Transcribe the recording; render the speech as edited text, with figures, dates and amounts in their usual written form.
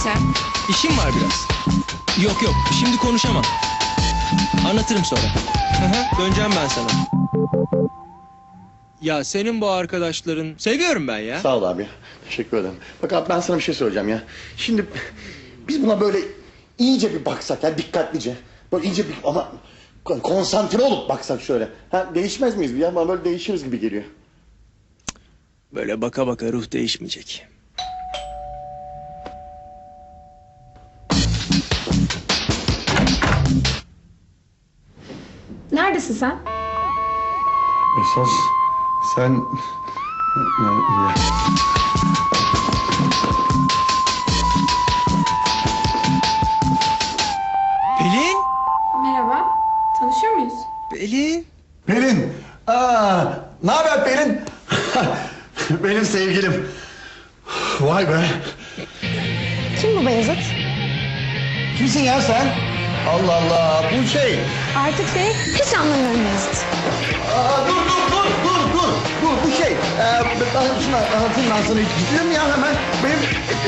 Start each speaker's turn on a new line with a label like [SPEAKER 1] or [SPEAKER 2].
[SPEAKER 1] sen?
[SPEAKER 2] İşim var biraz. Yok yok, şimdi konuşamam. Anlatırım sonra. Hı hı, döneceğim ben sana. Ya senin bu arkadaşların... Seviyorum ben ya.
[SPEAKER 3] Sağ ol abi. Teşekkür ederim. Bak abi ben sana bir şey söyleyeceğim ya. Şimdi biz buna böyle iyice bir baksak ya, dikkatlice. Böyle iyice bir ama konsantre olup baksak şöyle. Ha, değişmez miyiz ya? Bana böyle değişiriz gibi geliyor.
[SPEAKER 2] Böyle baka baka ruh değişmeyecek.
[SPEAKER 1] Neredesin sen?
[SPEAKER 3] Esas sen...
[SPEAKER 2] Pelin!
[SPEAKER 1] Merhaba. Tanışıyor muyuz?
[SPEAKER 2] Pelin!
[SPEAKER 3] Pelin! Ne haber Pelin? Benim sevgilim. Vay be.
[SPEAKER 1] Kim bu Beyazıt?
[SPEAKER 3] Kimsin ya sen? Allah Allah, bu şey.
[SPEAKER 1] Artık seni hiç anlamıyorum Beyazıt.
[SPEAKER 3] Dur, bu şey. Ben şunu anlatayım ben sana. Gidiyorum ya hemen. Benim